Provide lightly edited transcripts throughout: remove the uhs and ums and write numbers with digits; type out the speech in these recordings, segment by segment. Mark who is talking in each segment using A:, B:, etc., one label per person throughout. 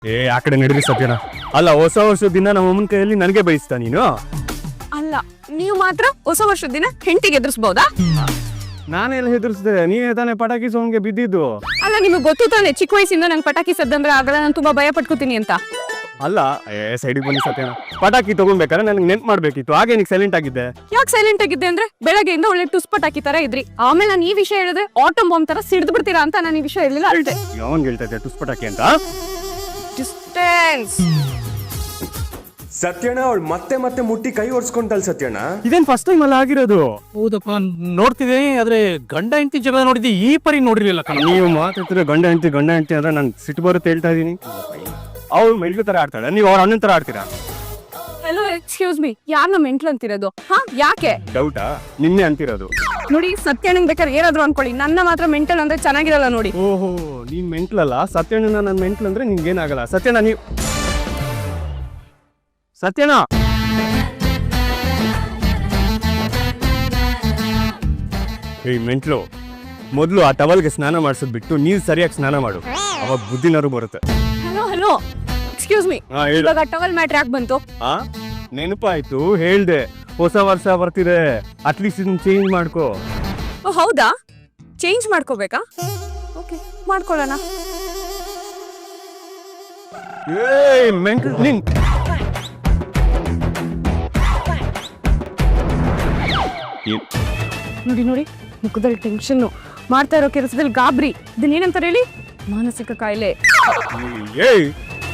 A: ಆ ಕಡೆ ನಡೀರಿ ಸತ್ಯನ. ಅಲ್ಲ, ಹೊಸ ವರ್ಷದ ದಿನ ನಮ್ಮ ಅಮ್ಮನ ಕೈಯಲ್ಲಿ ನನಗೆ ಬಯಸ್ತಾ ನೀನು?
B: ಅಲ್ಲ, ನೀವು ಮಾತ್ರ ಹೊಸ ವರ್ಷದ ದಿನ ಹೆಂಡತಿಗೆ ಎದುರಿಸಬಹುದಾ?
A: ನಾನೆಲ್ಲ ಹೆದರ್ಸ್ದೆ, ನೀವೇ ತಾನೇ ಪಟಾಕಿ ಸೌಂಡ್ಗೆ ಬಿದ್ದಿದ್ದು.
B: ಅಲ್ಲ, ನಿಮಗೆ ಗೊತ್ತು ತಾನೆ ಚಿಕ್ಕ ವಯಸ್ಸಿಂದ ನಂಗೆ ಪಟಾಕಿ ಸದ್ದಂದ್ರೆ ಆಗಲ್ಲ, ನಾನು ತುಂಬಾ ಭಯ ಪಟ್ಕೋತೀನಿ ಅಂತ.
A: ಅಲ್ಲ, ಸೈಡಿಗೆ ಬನ್ನಿ ಸತ್ಯನ. ಪಟಾಕಿ ತಗೊಂಡ್ಬೇಕಾದ್ರೆ ನನಗೆ ನೆನ್ಪು ಮಾಡ್ಬೇಕಿತ್ತು, ಹಾಗೆ ನೀನು ಸೈಲೆಂಟ್ ಆಗಿದ್ದೆ.
B: ಯಾಕೆ ಸೈಲೆಂಟ್ ಆಗಿದ್ದೆ ಅಂದ್ರೆ ಬೆಳಗ್ಗೆಯಿಂದ ಒಳ್ಳೆ ಟುಸ್ ಪಟಾಕಿ ತರ ಇದ್ರಿ, ಆಮೇಲೆ ನಾನು ಈ ವಿಷಯ ಹೇಳಿದ್ರೆ ಆಟಮ್ ಬಾಂಬ್ ತರ ಸಿಡ್ದು ಬಿಡ್ತೀರಾ ಅಂತ ನಾನು ಈ ವಿಷಯ ಹೇಳಿಲ್ಲ ಅಲ್ದೆ.
A: ಯಾವನ್ ಹೇಳ್ತಾ ಇದ್ದೆ ಟುಸ್ ಪಟಾಕಿ ಅಂತ?
B: ಡಿಸ್ಟೆನ್ಸ್.
C: ಸತ್ಯಣ್ಣ ಅವಳು ಮತ್ತೆ ಮತ್ತೆ ಮುಟ್ಟಿ ಕೈ ಒರ್ಸ್ಕೊಂತಲ್ ಸತ್ಯಣ್ಣ.
A: ಇದೇನ್ ಫಸ್ಟ್ ಟೈಮ್ ಅಲ್ಲ ಆಗಿರೋದು?
D: ಹೌದಪ್ಪ, ನೋಡ್ತಿದ್ದೀನಿ. ಆದ್ರೆ ಗಂಡ ಹೆಂಡತಿ ಜಗಳ ನೋಡಿದ್ದೆ, ಈ ಪರಿ ನೋಡಿರ್ಲಿಲ್ಲ ಕಣ.
A: ನೀವು ಮಾತಾಡ್ತಿದ್ರೆ ಗಂಡ ಹೆಂಡತಿ ಅಂದ್ರೆ ನಾನು ಸಿಟ್ಟು ಬರುತ್ತೆ ಹೇಳ್ತಾ ಇದೀನಿ. ಅವ್ರು ಮೆಂಟ್ಲು ತರ ಆಡ್ತಾಳೆ, ನೀವು ಅವ್ರ ಅಣ್ಣನ ತರ ಆಡ್ತೀರಾ?
B: ಹಲೋ, ಎಕ್ಸ್ಕ್ಯೂಸ್ ಮೀ, ಯಾರನ್ನ ಮೆಂಟ್ಲು ಅಂತಿರೋದು? ಹಾ, ಯಾಕೆ?
A: ಡೌಟಾ? ನಿನ್ನೆ ಅಂತಿರೋದು.
B: ನೋಡಿ, ಸತ್ಯಣ್ಣಂಗ್ ಬೇಕಾದ್ರೆ ಏನಾದ್ರು ಅನ್ಕೊಳ್ಳಿ, ನನ್ನ ಮಾತ್ರ ಮೆಂಟಲ್ ಅಂದ್ರೆ ಚೆನ್ನಾಗಿರಲ್ಲ ನೋಡಿ.
A: ಓಹೋ, ನೀನ್ ಮೆಂಟ್ಲಲ್ಲ, ಸತ್ಯಣ್ಣ ನನ್ನ ಮೆಂಟ್ಲ್ ಅಂದ್ರೆ ನಿನ್ಗೇನಾಗಲ್ಲ. ಸತ್ಯಣ್ಣ ನೀವು ಸತ್ಯಣ್ಣ ಏಯ್ ಮೆಂಟ್ಲು, ಮೊದಲು ಆ ಟವಲ್ಗೆ ಸ್ನಾನ ಮಾಡಿಸೋದ್ ಬಿಟ್ಟು ನೀರು ಸರಿಯಾಗಿ ಸ್ನಾನ ಮಾಡು, ಅವಾಗ ಬುದ್ಧಿನಾರು ಬರುತ್ತೆ.
B: ಹಲೋ ಹಲೋ, ಎಕ್ಸ್ಕ್ಯೂಸ್ ಮೀ, ಇವಾಗ ಟವಲ್ ಮ್ಯಾಟ್ರ್ ಯಾಕೆ ಬಂತು?
A: ನೆನಪಾಯ್ತು, ಹೇಳ್ದೆ. ಹೊಸ ವರ್ಷ ಬರ್ತಿದೆ, ಅಟ್ಲೀಸ್ಟ್ ಇದನ್ನ ಚೇಂಜ್ ಮಾಡ್ಕೋ.
B: ಓ ಹೌದಾ, ಚೇಂಜ್ ಮಾಡ್ಕೋಬೇಕಾ? ಓಕೆ, ಮಾಡ್ಕೊಳ್ಳೋಣ.
A: ಏಯ್ ಮೆಂಟ್ಲು, ನೀನ್
B: ನೋಡಿ ನೋಡಿ, ಮುಖದಲ್ಲಿ ಟೆನ್ಷನ್, ಮಾಡ್ತಾ ಇರೋ ಕೆಲಸದಲ್ಲಿ ಗಾಬರಿ. ಇದನ್ನೇನಂತಾರೆ ಹೇಳಿ? ಮಾನಸಿಕ ಕಾಯಿಲೆ.
A: ಏಯ್,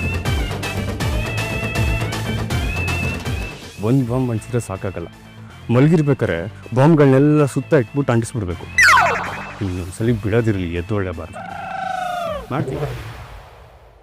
A: ಒಂದ್ ಬಾಂಬ್ ಅನ್ಸಿದ್ರೆ ಸಾಕಾಗಲ್ಲ, ಮಲಗಿರ್ಬೇಕಾರೆ ಬಾಂಬ್ಗಳನ್ನೆಲ್ಲ ಸುತ್ತ ಇಟ್ಬಿಟ್ಟು ಅಂಟಿಸ್ಬಿಡ್ಬೇಕು. ಇನ್ನೊಂದ್ಸಲಿ ಬಿಡೋದಿರಲಿ, ಎದ್ದೊಳ್ಳೆಬಾರ್ದು. ಮಾಡ್ತೀವಿ.